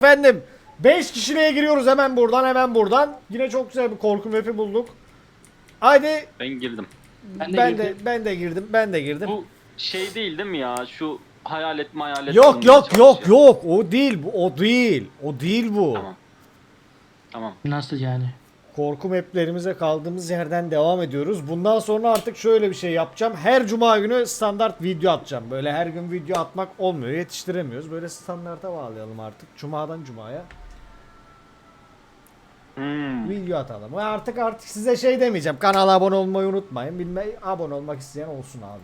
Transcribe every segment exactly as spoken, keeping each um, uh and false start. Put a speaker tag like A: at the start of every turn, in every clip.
A: Efendim beş kişiliğe giriyoruz hemen buradan hemen buradan. Yine çok güzel bir korku map'i bulduk. Haydi
B: Ben girdim.
A: ben,
C: Ben de
A: de
C: girdim.
A: ben de girdim. Ben de girdim.
B: Bu şey değil değil mi ya? Şu hayalet mayalet
A: Yok
B: bulmaya
A: yok yok
B: çalışıyor.
A: yok o değil bu o değil. O değil bu.
B: Tamam. Tamam.
C: Nasıl yani?
A: Korku maplerimize kaldığımız yerden devam ediyoruz. Bundan sonra artık şöyle bir şey yapacağım. Her cuma günü standart video atacağım. Böyle her gün video atmak olmuyor. Yetiştiremiyoruz. Böyle standarta bağlayalım artık. Cumadan cumaya
B: Hmm.
A: video atalım. Ve artık artık size şey demeyeceğim. Kanala abone olmayı unutmayın. Bilme abone olmak isteyen olsun abi.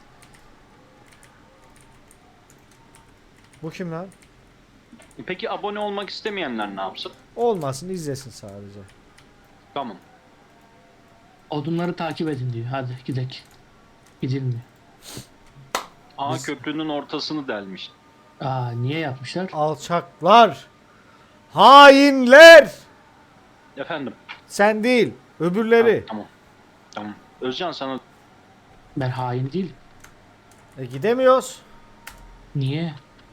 A: Bu kim lan?
B: Peki abone olmak istemeyenler ne yapsın?
A: Olmasın izlesin sadece.
B: Tamam.
C: Odunları takip edin diyor. Hadi gidelim. Gidilmiyor.
B: Aa
A: Biz-
B: köprünün ortasını delmiş.
C: Aa niye yapmışlar?
A: Alçaklar. Hainler.
B: Efendim.
A: Sen değil. Öbürleri.
B: Ha, tamam. Tamam. Özcan sana
C: Ben hain değil.
A: E gidemiyoruz.
C: Niye?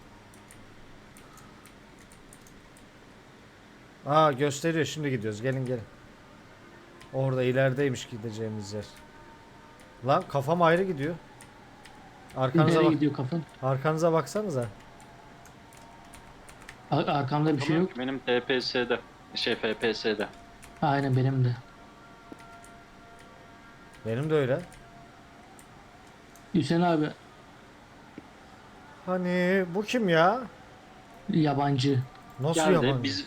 A: Aa gösteriyor şimdi gidiyoruz gelin gelin. Orada ilerideymiş gideceğimiz yer. Lan kafam ayrı gidiyor. Arkanıza
C: Nereye
A: bak.
C: gidiyor kafan?
A: Arkanıza baksanıza.
C: Ar- Arkamda bir şey yok.
B: benim T P S'de şey F P S'de.
C: Aynen benim de.
A: Benim de öyle.
C: Hüseyin abi
A: Hani bu kim ya?
C: yabancı.
A: Nasıl
B: Geldi
A: yabancı?
B: biz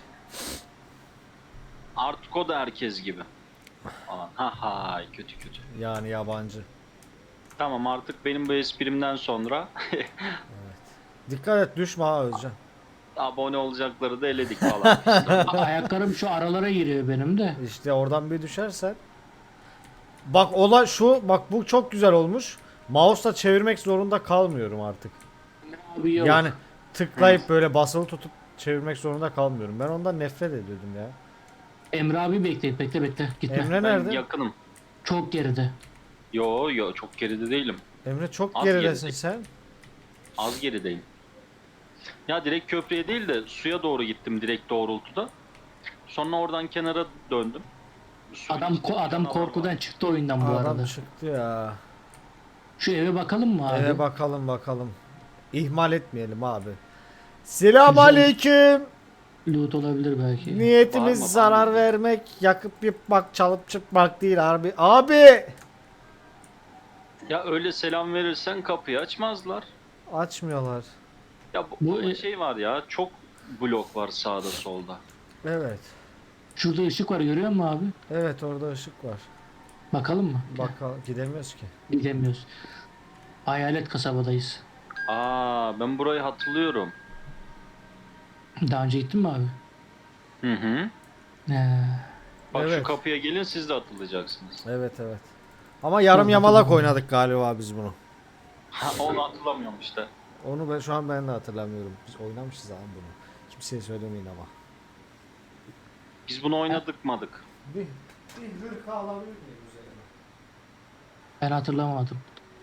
B: artık o da herkes gibi. Falan. Ha ha kötü kötü.
A: Yani yabancı.
B: Tamam artık benim bu esprimden sonra
A: Dikkat et düşme ha Özcan.
B: abone olacakları da eledik falan.
C: A- Ayaklarım şu aralara giriyor benim de.
A: İşte oradan bir düşersen. Bak ola şu bak bu çok güzel olmuş. Mouse'la çevirmek zorunda kalmıyorum artık.
C: Abi yok.
A: Yani tıklayıp böyle basılı tutup çevirmek zorunda kalmıyorum. Ben ondan nefret ediyordum ya.
C: Emre abi bekle bekle bekle. Gitme.
A: Emre
B: Ben
A: nerede?
B: yakınım.
C: Çok geride.
B: Yo yo çok geride değilim.
A: Emre çok
B: Az
A: geridesin
B: geride.
A: sen.
B: Az gerideyim. Ya direkt köprüye değil de suya doğru gittim direkt doğrultuda. Sonra oradan kenara döndüm. Suyun
C: Adam
B: içinde
C: ko- adam
B: canavar
C: korkudan
B: var.
C: çıktı oyundan bu
A: Adam
C: arada.
A: çıktı ya.
C: Şu eve bakalım mı abi?
A: Eve bakalım bakalım. İhmal etmeyelim abi. Selam aleyküm.
C: Loot olabilir belki.
A: Niyetimiz
B: Bağırma,
A: zarar
B: bağırma.
A: vermek, yakıp yıkmak, çalıp çıkmak değil abi. Abi!
B: Ya öyle selam verirsen kapıyı açmazlar.
A: Açmıyorlar.
B: Ya bu,
C: Bu-
B: burada şey var ya çok blok var sağda solda.
A: Evet.
C: Şurada ışık var görüyor musun abi?
A: Evet orada ışık var.
C: Bakalım mı?
A: Bakalım gidemiyoruz ki.
C: Gidemiyoruz. Hayalet kasabadayız.
B: Aa ben burayı hatırlıyorum.
C: Daha önce gittin mi abi?
B: Hı hı.
C: Ee,
B: Bak şu
A: Evet.
B: kapıya gelin siz de atılacaksınız.
A: Evet evet. Ama yarım
C: Yok,
A: yamalak
C: hatırlamıyorum.
A: oynadık galiba biz bunu.
B: Ha, onu hatırlamıyorum işte.
A: Onu ben şu an ben de hatırlamıyorum. Biz oynamışız abi bunu. Kimseye söylemeyin ama.
B: Biz bunu oynadık madık.
A: Bir, bir hırka alabilir miyim üzerine?
C: ben hatırlamadım.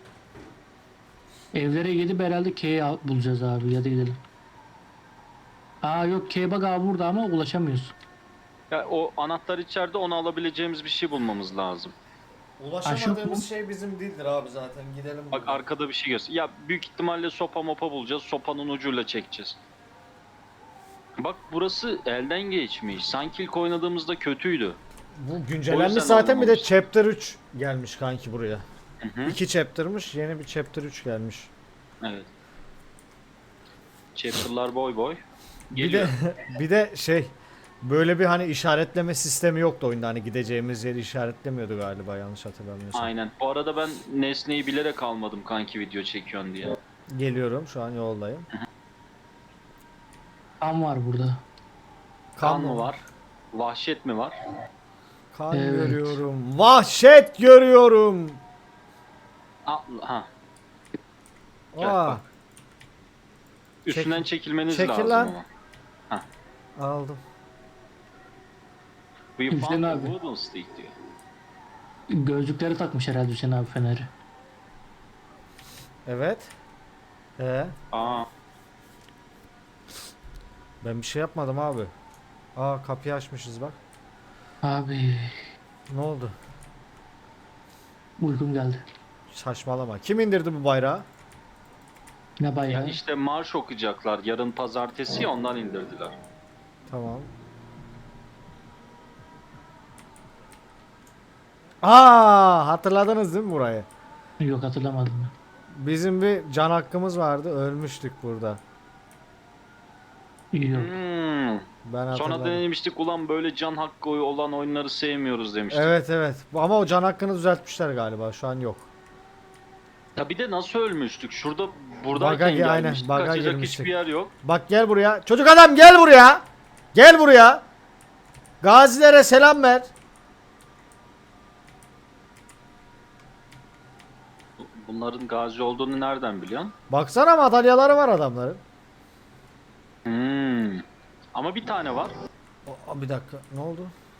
C: Evlere gidip herhalde K'yi al- bulacağız abi ya da gidelim. Aa yok K bak abi burada ama ulaşamıyoruz.
B: Ya o anahtar içeride onu alabileceğimiz bir şey bulmamız lazım.
A: Ulaşamadığımız şey bizim değildir abi zaten. Gidelim.
B: Bak
A: buradan.
B: arkada bir şey göster. Ya büyük ihtimalle sopa mopa bulacağız. Sopanın ucuyla çekeceğiz. Bak burası elden geçmiş. Sanki ilk oynadığımızda kötüydü.
A: Bu
B: O
A: güncellenmiş
B: yüzden
A: zaten bir de
B: anlamamıştım.
A: chapter üç gelmiş kanki buraya.
B: Hı hı.
A: İki chapter'mış yeni bir chapter üç gelmiş.
B: Evet. Chapter'lar boy boy.
A: Bir
B: Geliyor.
A: de bir de şey böyle bir hani işaretleme sistemi yoktu oyunda hani gideceğimiz yeri işaretlemiyordu galiba yanlış hatırlamıyorsam.
B: Aynen. Bu arada ben nesneyi bilerek almadım kanki video çekiyorsun diye.
A: Geliyorum şu an yoldayım.
C: Kan var burada.
B: Kan mı var? Vahşet mi var?
A: Kan
C: Evet.
A: görüyorum. Vahşet görüyorum.
B: Aa, ha. Gel
A: Aa,
B: bak. Üstünden
A: Çek-
B: çekilmeniz
A: çekil
B: lazım
A: lan.
B: ama.
A: aldım.
B: We
C: Hüseyin
B: found a
C: abi.
B: wooden stick diyor.
C: Gözlükleri takmış herhalde Hüseyin abi feneri.
A: Evet. Ee,
B: Aa.
A: Ben bir şey yapmadım abi. Aa kapıyı açmışız bak.
C: Abi
A: Ne oldu?
C: uykum geldi.
A: Saçmalama. Kim indirdi bu bayrağı?
C: Ne
B: Ya
C: bayağı.
B: işte marş okuyacaklar. Yarın pazartesi ya, ondan indirdiler.
A: Tamam. Aa hatırladınız değil mi burayı?
C: Yok hatırlamadım ben.
A: Bizim bir can hakkımız vardı. Ölmüştük burada.
C: Yok.
B: Hmm.
A: Ben
B: Sonra
A: hatırladım.
B: denemiştik, ulan böyle can hakkı olan oyunları sevmiyoruz demiştik.
A: Evet evet. Bu- Ama o can hakkını düzeltmişler galiba. Şu an yok.
B: Ya bir de nasıl ölmüştük? Şurada buradayken
A: Baga gi- aynen,
B: gelmiştik.
A: baga
B: Kaçacak
A: girmiştik.
B: hiçbir yer yok.
A: Bak gel buraya. Çocuk adam gel buraya. Gel buraya. Gazilere selam ver.
B: Bunların gazi olduğunu nereden biliyorsun?
A: Baksana madalyaları var adamların.
B: Hmm. Ama bir tane var.
A: Aa, bir dakika. Ne oldu?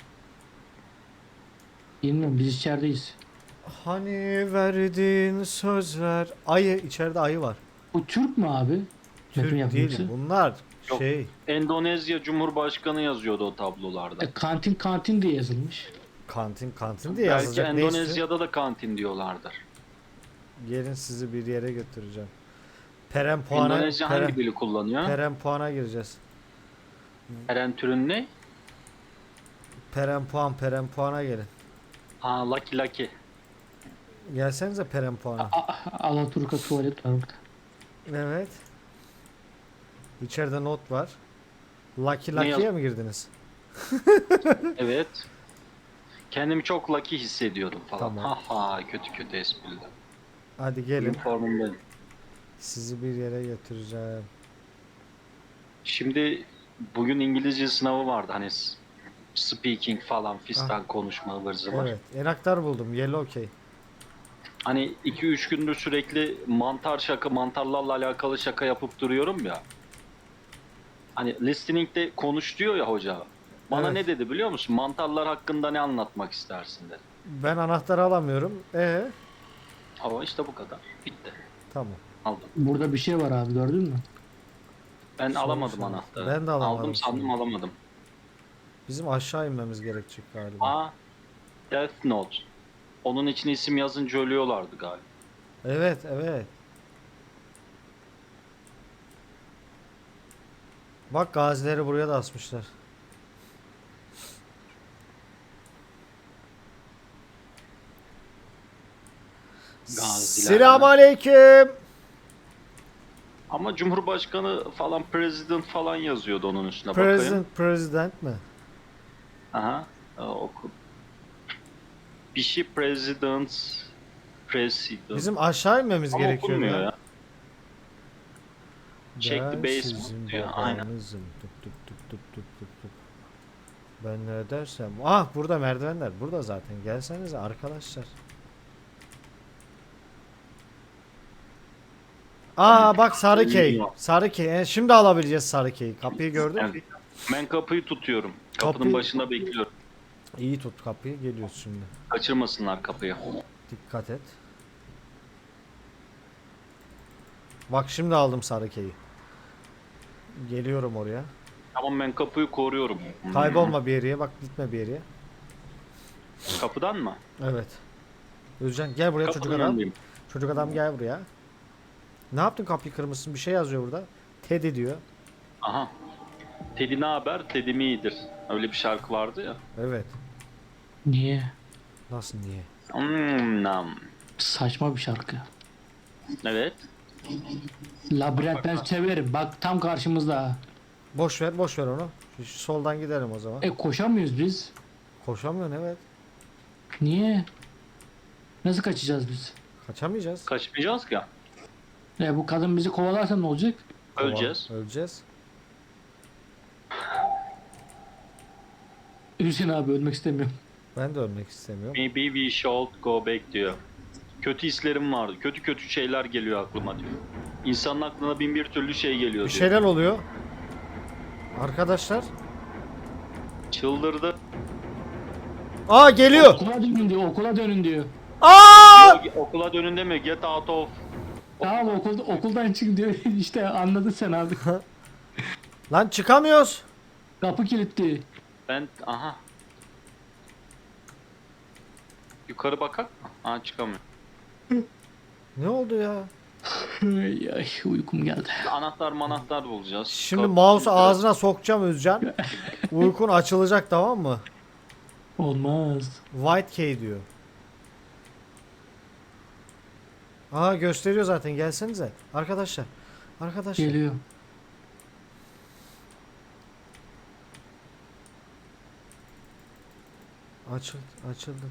C: Bilmiyorum biz içerideyiz.
A: Hani verdiğin sözler. Ayı. içeride ayı var.
C: Bu Türk mü abi?
A: Türk
C: Metin
A: değil.
C: yapımcısı.
A: Bunlar
B: Yok.
A: şey.
B: Endonezya Cumhurbaşkanı yazıyordu o tablolarda.
C: E, kantin kantin diye yazılmış.
A: Kantin kantin diye
B: Belki
A: yazacak. Neyse.
B: Endonezya'da da kantin diyorlardır.
A: Gelin sizi bir yere götüreceğim. Peren puana.
B: Endonezya
A: Peren,
B: hangi dili kullanıyor?
A: peren puana gireceğiz.
B: Eren türün ne?
A: Peren puan. Peren puana gelin.
B: Ha, Lucky Lucky.
A: Gelsenize peren puana.
C: A- Alaturka tuvalet var burada.
A: Evet. İçeride not var. Lucky
B: Ne
A: Lucky'ye
B: yaz-
A: mi girdiniz?
B: Evet. Kendimi çok lucky hissediyordum falan.
A: Tamam.
B: Ha ha, kötü kötü espriler.
A: Hadi gelin.
B: Üniformumdayım.
A: Sizi bir yere götüreceğim.
B: Şimdi bugün İngilizce sınavı vardı. Hani s- speaking falan fistan konuşma ıvır zıvır.
A: Evet. Enaktar buldum. Yellow key.
B: Hani iki üç gündür sürekli mantar şaka, mantarlarla alakalı şaka yapıp duruyorum ya. Hani listening'de konuş diyor ya hoca. Bana
A: Evet.
B: ne dedi biliyor musun? Mantarlar hakkında ne anlatmak istersin dedi.
A: Ben anahtarı alamıyorum. Ee,
B: Ama işte bu kadar. Bitti.
A: tamam.
B: Aldım.
C: Burada bir şey var abi gördün mü?
B: Ben
A: Sonuç
B: alamadım
A: sonuç.
B: anahtarı.
A: Ben de alamadım
B: Aldım sandım
A: şimdi.
B: alamadım.
A: Bizim aşağı inmemiz gerekecek galiba.
B: Aa, Death Note. Onun için isim yazınca ölüyorlardı galiba.
A: Evet, evet. Bak gazileri buraya da asmışlar.
B: Gaziler.
A: Selamünaleyküm.
B: Ama Cumhurbaşkanı falan, President falan yazıyordu onun üstüne, bakayım.
A: President, president mi?
B: Aha. Aa, oku. Bir şey President, President.
A: Bizim aşağı inmemiz
B: Ama
A: gerekiyor
B: okunmuyor
A: ya.
B: ya. Check the
A: Ben
B: basement
A: sizin
B: diyor, aynen.
A: babanızım. Tup tup tup tup tup tup tup. Ben ne dersem. Ah burada merdivenler. Burada zaten. Gelsenize arkadaşlar. Aa bak sarı key. Sarı key. E, şimdi alabileceğiz sarı key'i. Kapıyı gördün mü?
B: Evet. Ben kapıyı tutuyorum. Kapının
A: Kapıyı-
B: başında bekliyorum.
A: İyi tut kapıyı. Geliyoruz şimdi.
B: Kaçırmasınlar kapıyı.
A: Dikkat et. Bak şimdi aldım sarı key'i. Geliyorum oraya.
B: Tamam, ben kapıyı koruyorum.
A: Kaybolma bir yere. Bak gitme bir yere.
B: Kapıdan mı?
A: Evet. Özcan gel buraya çocuk
B: Kapının
A: adam.
B: önündeyim.
A: Çocuk adam gel buraya. Ne yaptın kapıyı kırmışsın? Bir şey yazıyor burada. Teddy diyor.
B: Aha. Teddy ne haber? Teddy mi iyidir? Öyle bir şarkı vardı ya.
A: Evet.
C: Niye?
A: Nasıl niye?
B: Hmm, nam.
C: Saçma bir şarkı.
B: Evet.
C: Labirent ben severim. Bak tam karşımızda.
A: Boş ver, boş ver onu. Şu, şu soldan gidelim o zaman.
C: E koşamıyoruz biz.
A: Koşamıyorsun evet.
C: Niye? Nasıl kaçacağız biz?
A: Kaçamayacağız.
B: Kaçmayacağız ki.
C: E bu kadın bizi kovalarsa ne olacak?
B: Öleceğiz.
A: Kova- Öleceğiz.
C: Hüseyin abi ölmek istemiyorum.
A: Ben de ölmek istemiyorum.
B: Maybe we should go back diyor. Kötü hislerim vardı. Kötü kötü şeyler geliyor aklıma diyor. İnsanın aklına bin bir türlü şey geliyor
A: Bir
B: diyor.
A: şeyler oluyor. Arkadaşlar.
B: Çıldırdı.
A: Aa geliyor.
C: Okula dönün diyor, okula dönün diyor.
A: Aa!
B: Diyor, okula dönün deme, get out of.
C: Tamam okulda, okuldan çık diyor. İşte anladın sen abi.
A: Lan çıkamıyoruz.
C: Kapı kilitli.
B: Ben aha. Yukarı bakak mı? Ha çıkamıyor.
A: Ne oldu ya?
C: Ay, ay uykum geldi.
B: Anahtar manahtar bulacağız.
A: Şimdi
B: Kapı
A: mouse'u
B: kilitli.
A: ağzına sokacağım Özcan. Uykun açılacak, tamam mı?
C: Olmaz.
A: White key diyor. Aa gösteriyor zaten, gelsenize. Arkadaşlar. Arkadaşlar.
C: Geliyor.
A: Açıldı, açıldı.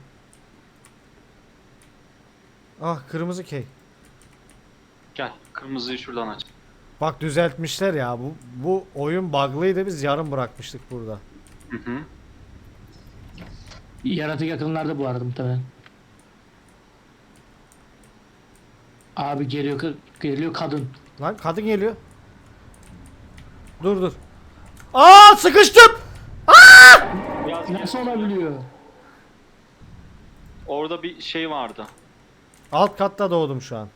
A: Ah, kırmızı key.
B: Gel kırmızıyı şuradan aç.
A: Bak düzeltmişler ya. Bu bu oyun bug'lıydı, biz yarım bırakmıştık burada.
B: Hı hı.
C: Yaratık yakınlarda bu arada muhtemelen. Abi geliyor kı- geliyor kadın.
A: Lan kadın geliyor. Dur dur. Aa sıkıştım.
B: Biraz gel.
C: Nasıl olabiliyor?
B: Orada bir şey vardı.
A: Alt katta doğdum şu an.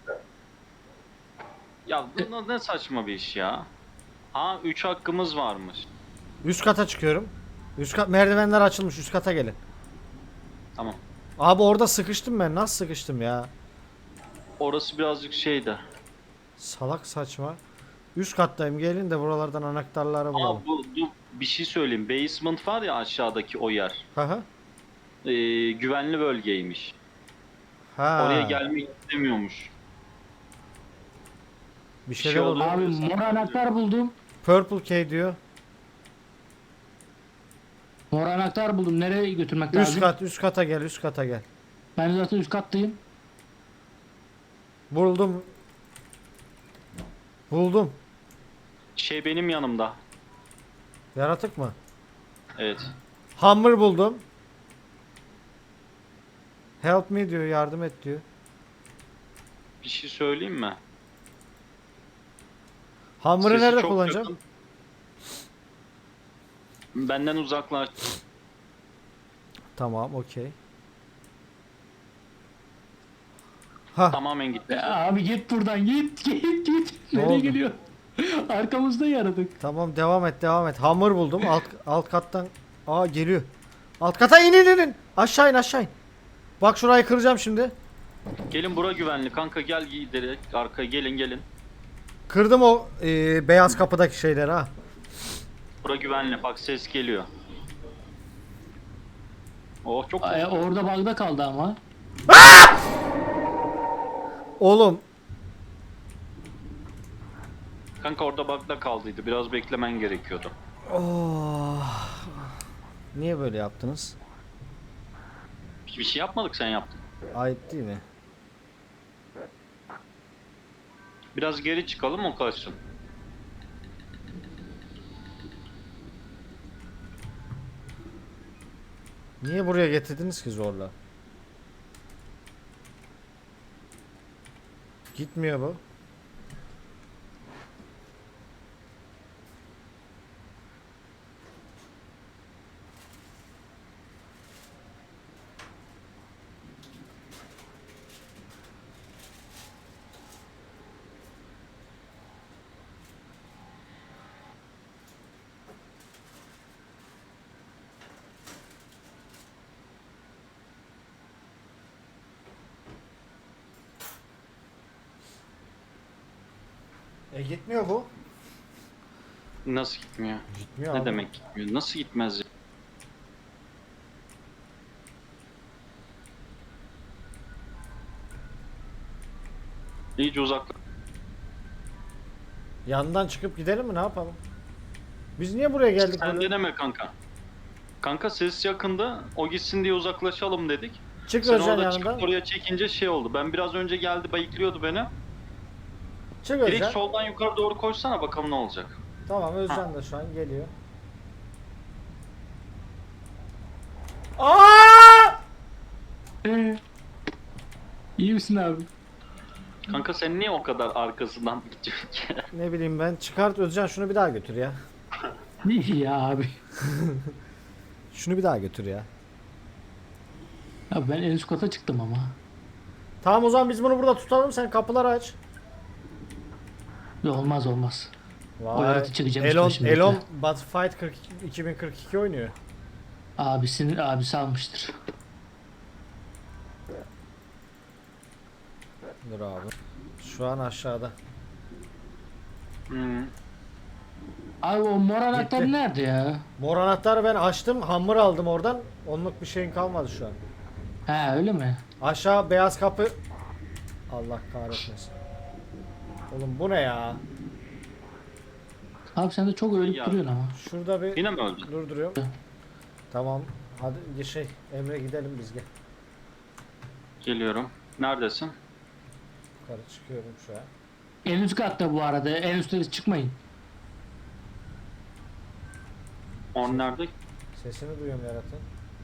B: Ya bu ne saçma bir iş ya. Ha üç hakkımız varmış.
A: Üst kata çıkıyorum. Üst kat merdivenler açılmış. Üst kata gelin.
B: Tamam.
A: Abi orada sıkıştım ben. Nasıl sıkıştım ya?
B: Orası birazcık şeydi.
A: Salak saçma. Üst kattayım. Gelin de buralardan anahtarları bulalım.
B: Aa bu, bu bir şey söyleyeyim. Basement var ya aşağıdaki o yer.
A: Hı hı.
B: Ee, güvenli bölgeymiş.
A: Ha.
B: Oraya gelmek istemiyormuş.
A: Bir
B: şey
A: şeyler
B: oldu.
A: oldu.
C: Abi mor anahtar buldum.
A: Purple key diyor.
C: Mor anahtar buldum. Nereye götürmek
A: Üst
C: lazım?
A: kat, üst kata gel, üst kata gel.
C: Ben zaten üst kattayım.
A: Buldum. Buldum.
B: Şey benim yanımda.
A: Yaratık mı?
B: Evet.
A: Hammer buldum. Help me diyor, yardım et diyor.
B: Bir şey söyleyeyim mi?
A: Hammer'ı
B: Sesi
A: nerede
B: çok
A: kullanacağım?
B: yakın. Benden uzaklaş.
A: Tamam, okey. Ha,
B: Tamamen gitti.
C: Ya abi git buradan git git git.
A: Ne
C: Nereye
A: oldu?
C: geliyor? Arkamızda yaratık.
A: tamam devam et, devam et. Hammer buldum. Alt alt kattan. Aa geliyor. Alt kata in in in. Aşağı in, aşağı in. Bak şurayı kıracağım şimdi.
B: Gelin bura güvenli kanka gel giderek arkaya gelin gelin.
A: Kırdım o e, beyaz kapıdaki şeyleri ha.
B: Bura güvenli bak ses geliyor. Oh çok
C: Ay, orada bug'da kaldı ama.
A: Oğlum
B: kanka orada bakla kaldıydı. Biraz beklemen gerekiyordu.
A: oh. Niye böyle yaptınız?
B: Bir şey yapmadık sen yaptın.
A: Ayıp değil mi?
B: Biraz geri çıkalım o kaçsın.
A: Niye buraya getirdiniz ki zorla? Gitmiyor bu. E gitmiyor bu.
B: Nasıl gitmiyor?
A: Gitmiyor
B: Ne
A: abi.
B: demek gitmiyor? Nasıl gitmez ya? İyice uzak.
A: Yandan çıkıp gidelim mi, ne yapalım? Biz niye buraya geldik
B: Sen
A: böyle?
B: deneme kanka. Kanka ses yakında. O gitsin diye uzaklaşalım dedik.
A: Çık
B: Sen
A: Özcan
B: orada
A: yanından.
B: çıkıp oraya çekince şey oldu. Ben biraz önce geldi bayıklıyordu beni.
A: Çık
B: Direkt
A: Özcan.
B: soldan yukarı doğru koşsana bakalım ne olacak.
A: Tamam, Özcan da şu an geliyor. Aa!
C: Ee, iyi misin abi?
B: Kanka sen niye o kadar arkasından gidiyorsun ki?
A: Ne bileyim ben. Çıkart Özcan, şunu bir daha götür ya.
C: İyi ya abi.
A: Şunu bir daha götür ya.
C: Abi ben en üst kata çıktım ama.
A: Tamam o zaman biz bunu burada tutalım, sen kapıları aç.
C: Olmaz olmaz. O yaratı çıkacağım
A: Elon,
C: şimdi.
A: Elon Battlefield kırk iki, iki bin kırk iki oynuyor.
C: Abisinin abisi almıştır.
A: Dur abi. Şu an aşağıda.
B: Hmm.
C: Abi o mor anahtar
A: Gitti.
C: nerede ya?
A: Mor anahtarı ben açtım. Hammer aldım oradan. Onluk bir şeyin kalmadı şu an.
C: He öyle mi?
A: Aşağı beyaz kapı. Allah kahretmesin. Oğlum bu ne ya?
C: Abi sen de çok ölüp
B: Ya.
C: duruyorsun ama.
A: Şurada bir
B: Yine mi öldün?
A: durduruyorum. Tamam. Hadi şey Emre gidelim biz gel.
B: Geliyorum. Neredesin?
A: Yukarı çıkıyorum şu an.
C: En üst katta bu arada. En üstte çıkmayın.
B: On nerede?
A: Sesini duyuyorum yaratın.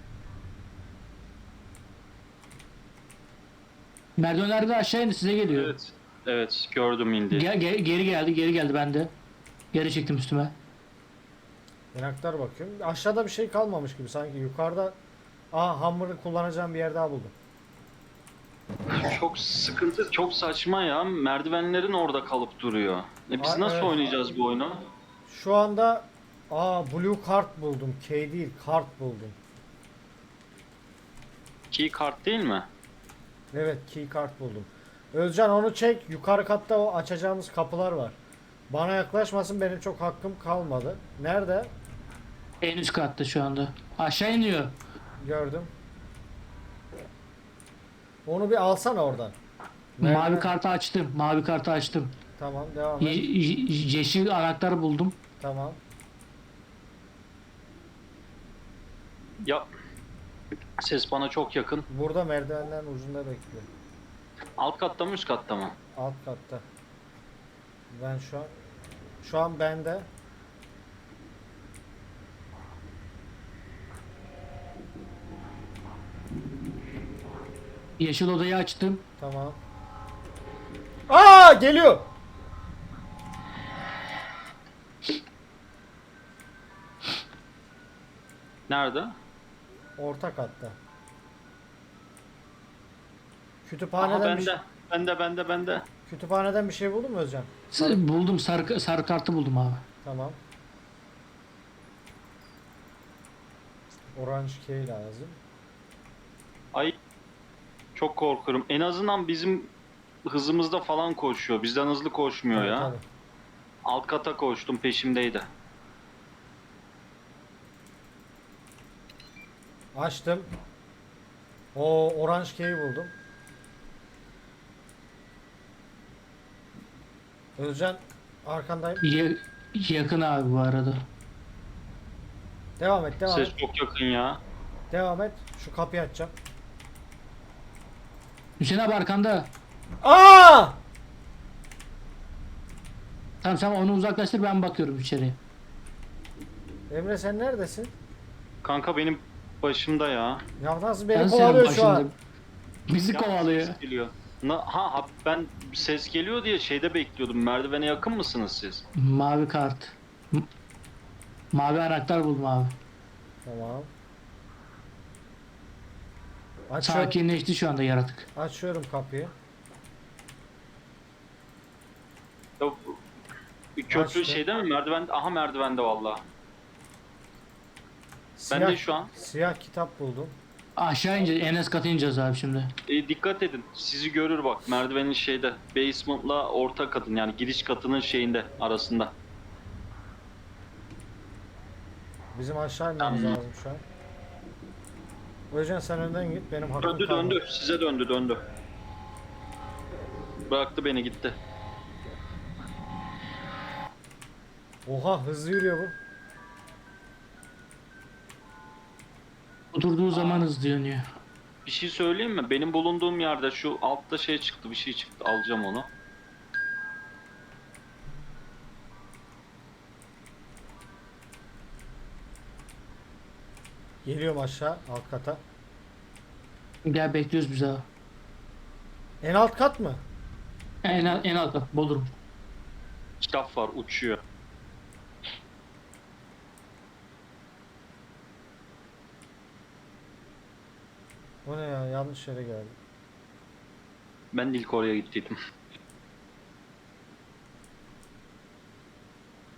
C: Merdivenlerde aşağı indi size geliyor.
B: Evet. Evet gördüm indi.
C: Ge- ge- geri geldi geri geldi bende. Geri çektim üstüme.
A: Yanaklar bakıyorum. Aşağıda bir şey kalmamış gibi sanki. Yukarıda Aa hammer'ı kullanacağım bir yer daha buldum.
B: Çok sıkıntı, çok saçma ya. Merdivenlerin orada kalıp duruyor. E biz
A: Aa,
B: nasıl
A: evet.
B: oynayacağız bu oyunu?
A: Şu anda Aa blue card buldum. K değil kart buldum.
B: Key kart değil mi?
A: Evet key kart buldum. Özcan onu çek. Yukarı katta o açacağımız kapılar var. Bana yaklaşmasın benim çok hakkım kalmadı. Nerede?
C: En üst katta şu anda. Aşağı iniyor.
A: Gördüm. Onu bir alsana oradan.
C: Mavi
A: Merdiven-
C: kartı açtım. Mavi kartı açtım.
A: Tamam devam
C: Ye-
A: et.
C: ye- yeşil anahtarı buldum.
A: Tamam.
B: Ya ses bana çok yakın.
A: Burada merdivenlerin ucunda bekliyor.
B: Alt katta mı üst katta mı?
A: Alt katta. Ben şu an şu an bende.
C: Yeşil odayı açtım.
A: Tamam. Aa geliyor.
B: Nerede?
A: Orta katta.
B: Aha
A: Kütüphaneden bir şey,
B: bende. Bende bende bende.
A: kütüphaneden bir şey buldun mu Özcan?
C: S- Buldum sarı, sarı kartı buldum abi.
A: Tamam. Orange key lazım.
B: Ay çok korkuyorum. En azından bizim hızımızda falan koşuyor. Bizden hızlı koşmuyor
A: Evet,
B: ya.
A: tabii.
B: Alt kata koştum peşimdeydi.
A: Açtım. O orange key'i buldum. Özcan arkandayım.
C: Ye- yakın abi bu arada.
A: Devam et, devam
B: Ses
A: et.
B: çok yakın ya.
A: Devam et. Şu kapıyı açacağım.
C: Hüseyin abi arkanda.
A: Aa!
C: Tamam sen onu uzaklaştır ben bakıyorum içeriye.
A: Emre sen neredesin?
B: Kanka benim başımda ya.
A: Ya nasıl beni
C: Ben
A: kovalıyor
C: senin
A: şu an?
C: başında. Bizi
B: Ya
C: kovalıyor.
B: ses geliyor. Na, ha, ha ben ses geliyor diye şeyde bekliyordum. Merdivene yakın mısınız siz?
C: Mavi kart. M- Mavi anahtar buldum abi.
A: Tamam. Açıyorum,
C: Sakinleşti şu anda yaratık.
A: açıyorum kapıyı.
B: Ya, bu- bir köprü
A: Açtı.
B: şeyde mi? Merdiven. Aha merdivende valla. Ben
A: Siyah,
B: de şu an.
A: siyah kitap buldum.
C: Aşağı ineceğiz. En az kata ineceğiz abi şimdi.
B: E, dikkat edin. Sizi görür bak. Merdivenin şeyde. Basement'la orta katın yani giriş katının şeyinde arasında.
A: Bizim aşağı inmemiz
B: Tamam.
A: lazım şu an. Özcan sen önden git benim hakkım
B: Döndü
A: kalmadı.
B: döndü. Size döndü döndü. Bıraktı beni gitti.
A: Oha hızlı yürüyor bu.
C: Oturduğu zaman hızlı dönüyor.
B: Bir şey söyleyeyim mi? Benim bulunduğum yerde şu altta şey çıktı. Bir şey çıktı. Alacağım onu.
A: Geliyorum aşağı alt kata.
C: Gel bekliyoruz biz abi.
A: En alt kat mı?
C: En, al- en alt kat. Bodrum.
B: Kitap var uçuyor.
A: O ne ya yanlış yere geldi.
B: Ben de ilk oraya gittiydim.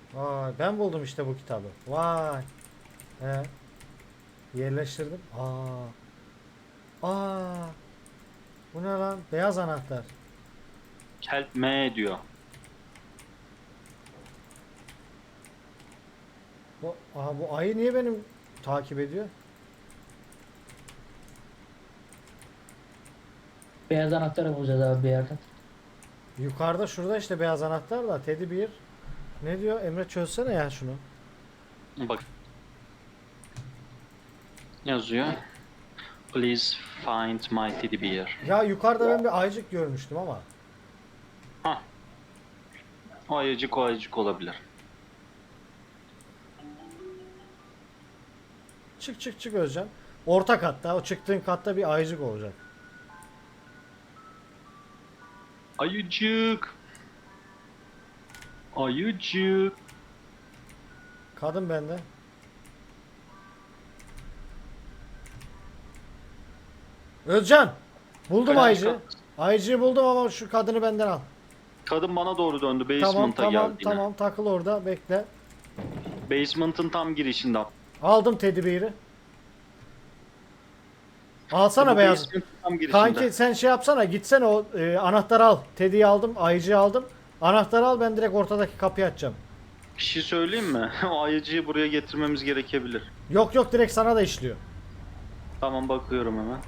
A: Vay, ben buldum işte bu kitabı. Vay. He. Yerleştirdim. Aa. Aa. Bu ne lan? Beyaz anahtar.
B: Help me diyor.
A: Bu, aha, bu ayı niye benim takip ediyor?
C: Beyaz anahtarı bulacağız abi bir yerden.
A: Yukarıda şurada işte beyaz anahtar da Teddy bir. Ne diyor? Emre çözsene ya şunu.
B: Bak. Yazıyor. Please find my teddy bear.
A: Ya yukarıda ben bir ayıcık görmüştüm ama.
B: Hah. O ayıcık o ayıcık olabilir.
A: Çık çık çık Özcan. Orta katta, o çıktığın katta bir ayıcık olacak.
B: Ayıcık. Ayıcık.
A: Kadın bende. Özcan! Buldum
B: Kaç
A: ayıcığı.
B: kat?
A: Ayıcığı buldum ama şu kadını benden al.
B: Kadın bana doğru döndü.
A: Tamam
B: Basement'a
A: tamam
B: geldi yine.
A: tamam takıl orada bekle.
B: Basement'ın tam girişinde.
A: Aldım Teddy Bear'i. Alsana
B: Bu
A: beyaz.
B: basement'ın tam girişinde.
A: Kanki sen şey yapsana gitsene o e, anahtarı al. Teddy'yi aldım, ayıcığı aldım. Anahtarı al, ben direkt ortadaki kapıyı açacağım.
B: Bir şey söyleyeyim mi? O ayıcıyı buraya getirmemiz gerekebilir.
A: Yok yok, direkt sana da işliyor.
B: Tamam, bakıyorum hemen.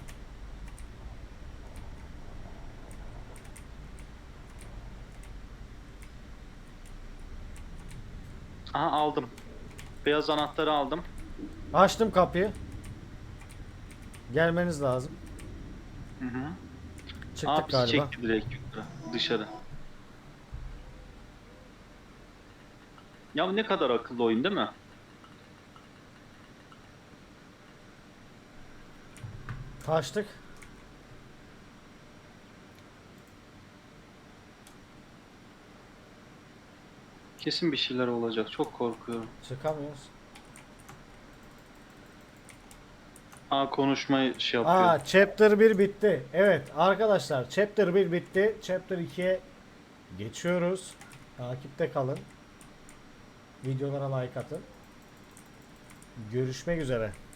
B: Aha, aldım. Beyaz anahtarı aldım.
A: Açtım kapıyı. Gelmeniz lazım.
B: Hı hı.
A: Çıktık
B: Aa, bizi
A: galiba.
B: çekti direkt yukarı, dışarı. Ya ne kadar akıllı oyun değil mi?
A: Kaçtık.
B: Kesin bir şeyler olacak. Çok korkuyorum.
A: Çıkamıyoruz.
B: Aa, konuşmayı şey yapıyor.
A: Aa, chapter bir bitti. Evet arkadaşlar, chapter bir bitti. Chapter ikiye geçiyoruz. Takipte kalın. Videolara like atın. Görüşmek üzere.